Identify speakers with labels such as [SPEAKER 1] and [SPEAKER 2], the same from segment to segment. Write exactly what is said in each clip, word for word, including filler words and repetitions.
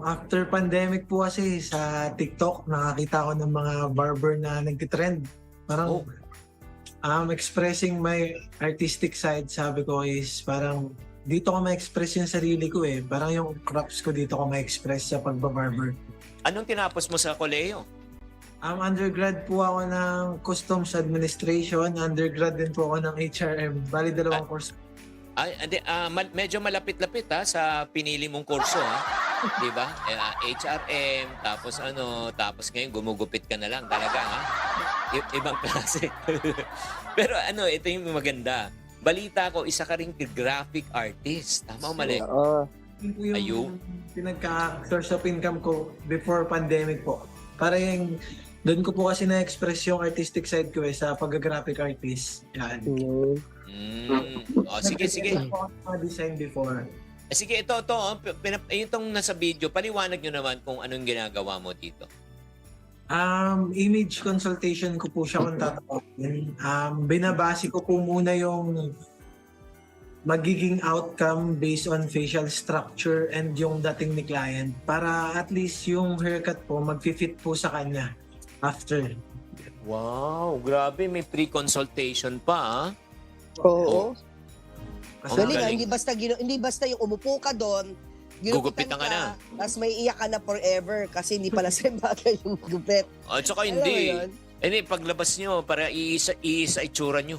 [SPEAKER 1] after pandemic po kasi sa TikTok, nakakita ko ng mga barber na nagtitrend. Parang
[SPEAKER 2] Oh.
[SPEAKER 1] um, expressing my artistic side, sabi ko is parang dito ko ma-express yung sarili ko eh. Parang yung crops ko dito ko ma-express sa pagbabarber.
[SPEAKER 2] Anong tinapos mo sa koleyo?
[SPEAKER 1] Um, undergrad po ako ng Customs Administration, undergrad din po ako ng H R M. Bali dalawang course.
[SPEAKER 2] Ay, andi, ah, mal- medyo malapit-lapit ha sa pinili mong kurso ha. 'Di ba? Eh, ah, H R M, tapos ano, tapos ngayon gumugupit ka na lang talaga ha. I- ibang klase. Pero ano, ito yung maganda. Balita ko, isa ka ring graphic artist. Tama o mali?
[SPEAKER 3] Oo.
[SPEAKER 1] Yun po yung
[SPEAKER 2] Ayun.
[SPEAKER 1] pinagka-source of income ko before pandemic po. Para yung, doon ko po kasi na-express yung artistic side ko eh, sa pag-graphic artist. Yan.
[SPEAKER 3] Mm.
[SPEAKER 2] Mm. O, sige, sige.
[SPEAKER 1] Nag-design po ako ng mga design before.
[SPEAKER 2] Eh, Sige, ito, ito. oh, pinap- Itong nasa video, paliwanag nyo naman kung anong ginagawa mo dito.
[SPEAKER 1] Um, image consultation ko po siya kung tatawagin. Um, binabase ko po muna yung magiging outcome based on facial structure and yung dating ni client para at least yung haircut po mag-fit po sa kanya after.
[SPEAKER 2] Wow, grabe. May pre-consultation pa, ah.
[SPEAKER 3] Oo.
[SPEAKER 1] Kasi
[SPEAKER 2] Ang
[SPEAKER 3] Galing, ah,
[SPEAKER 2] galing.
[SPEAKER 3] hindi basta gino, hindi basta yung umupo ka doon,
[SPEAKER 2] Gugupitan ka na.
[SPEAKER 3] Tapos may iyak ka na forever kasi hindi pala sa bagay yung gupit.
[SPEAKER 2] At saka
[SPEAKER 3] Alam mo
[SPEAKER 2] hindi.
[SPEAKER 3] yun?
[SPEAKER 2] Eh, Hindi, paglabas nyo, para iisa, iisa itsura nyo.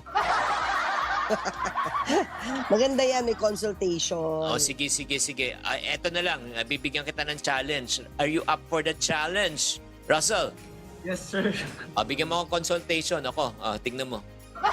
[SPEAKER 3] Maganda yan, may consultation.
[SPEAKER 2] O, sige, sige, sige. Ah, eto na lang, ah, bibigyan kita ng challenge. Are you up for the challenge? Russell,
[SPEAKER 1] yes sir.
[SPEAKER 2] ah, bigyan mo akong consultation. Ako, ah, tingnan mo.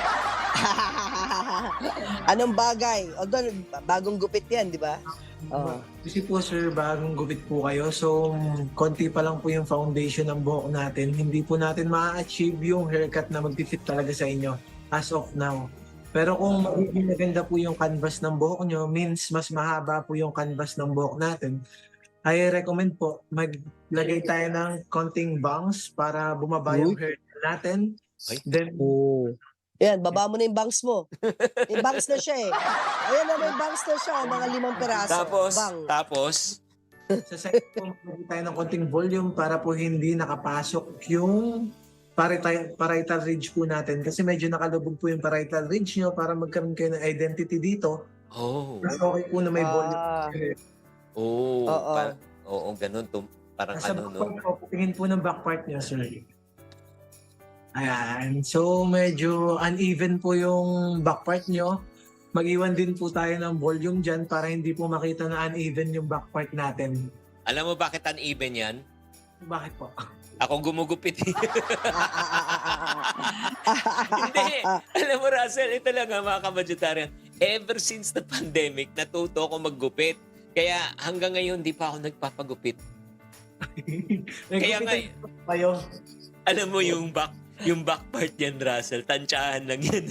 [SPEAKER 3] Anong bagay? Although, bagong gupit yan, di ba? Oo.
[SPEAKER 1] Kasi po sir, bagong gupit po kayo. So, konti pa lang po yung foundation ng buhok natin. Hindi po natin ma-achieve yung haircut na mag-fit talaga sa inyo as of now. Pero kung magiging maganda po yung canvas ng buhok nyo, means mas mahaba po yung canvas ng buhok natin, I recommend po maglagay tayo ng konting bangs para bumaba yung hair natin.
[SPEAKER 2] Ay.
[SPEAKER 1] Then,
[SPEAKER 3] Oo. Yan, baba mo na yung bangs mo. May bangs na siya eh. Ayan na, may bangs na siya. Mga limang peraso.
[SPEAKER 2] Tapos,
[SPEAKER 3] Bang.
[SPEAKER 2] tapos,
[SPEAKER 1] sa side po, maglagay tayo ng konting volume para po hindi nakapasok yung parietal, parietal ridge po natin. Kasi medyo nakalubog po yung parietal ridge nyo para magkaroon kayo ng identity dito.
[SPEAKER 2] oh,
[SPEAKER 1] Mas okay po na may volume.
[SPEAKER 3] Ah.
[SPEAKER 2] oh,
[SPEAKER 3] Oo.
[SPEAKER 2] par- oo, ganun. Tum- parang
[SPEAKER 1] Sa
[SPEAKER 2] ano,
[SPEAKER 1] back
[SPEAKER 2] no?
[SPEAKER 1] part po, tingin po ng back part nyo, sir. Ayan. So, medyo uneven po yung back part nyo. Mag-iwan din po tayo ng volume dyan para hindi po makita na uneven yung back part natin.
[SPEAKER 2] Alam mo bakit uneven yan?
[SPEAKER 1] Bakit po?
[SPEAKER 2] Ako gumugupit. Hindi. Alam mo, Russell, ito lang nga mga kabadgetarian. Ever since the pandemic, natuto ako maggupit. Kaya hanggang ngayon, di pa ako nagpapagupit. Kaya nga,
[SPEAKER 1] Kayo.
[SPEAKER 2] alam mo yung back yung back part yan, Russell, tansyahan lang yan.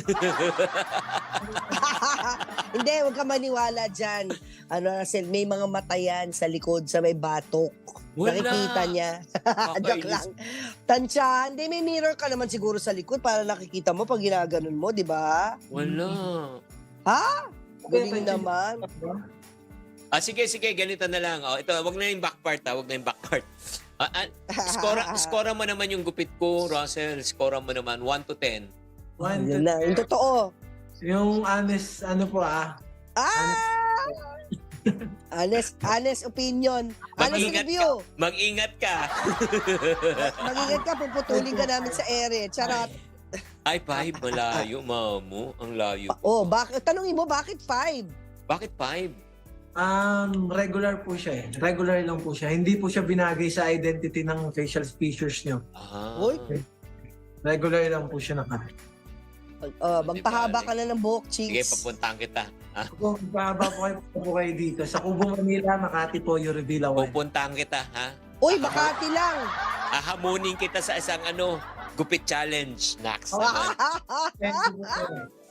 [SPEAKER 3] Hindi, huwag ka maniwala dyan. Ano, Russell, may mga mata yan sa likod, sa may batok.
[SPEAKER 2] Wala.
[SPEAKER 3] Nakikita niya. Joke lang. Tansya, hindi, may mirror ka naman siguro sa likod para nakikita mo pag ginaganon mo, di ba?
[SPEAKER 2] Wala.
[SPEAKER 3] Ha? Galing naman.
[SPEAKER 2] Ah, sige, sige, ganito na lang. Oh, ito, wag na yung back part, ha? Wag na yung back part. Ah, ah, score, score mo naman yung gupit ko, Russell. Score mo naman, one to ten.
[SPEAKER 1] One,
[SPEAKER 3] Yun na, yung totoo.
[SPEAKER 1] Yung honest, ano po ah,
[SPEAKER 3] Ah! Honest, honest opinion. Honest
[SPEAKER 2] Mag-ingat
[SPEAKER 3] review.
[SPEAKER 2] Mag-ingat ka.
[SPEAKER 3] Mag-ingat ka, puputulin ka namin sa ere. Charot.
[SPEAKER 2] Ay, five, malayo, mamo. Ang layo.
[SPEAKER 3] Oh, bakit? Tanungin mo, bakit five?
[SPEAKER 2] Bakit five?
[SPEAKER 1] um, regular po siya eh. Regular lang po siya. Hindi po siya binagay sa identity ng facial features nyo.
[SPEAKER 2] Ah.
[SPEAKER 3] Uy.
[SPEAKER 1] Regular lang po siya naka.
[SPEAKER 3] Oh, magpahaba ka na ng buhok,
[SPEAKER 2] Sige,
[SPEAKER 3] cheeks.
[SPEAKER 2] papuntahan kita. Ha?
[SPEAKER 1] Kung bababa po kayo, po kayo dito. Sa Kubo, Manila, Makati po, yung reveal away.
[SPEAKER 2] Pupuntahan kita, ha?
[SPEAKER 3] Uy, Makati lang.
[SPEAKER 2] Ahamunin kita sa isang ano, gupit challenge. Next.
[SPEAKER 1] Thank you po.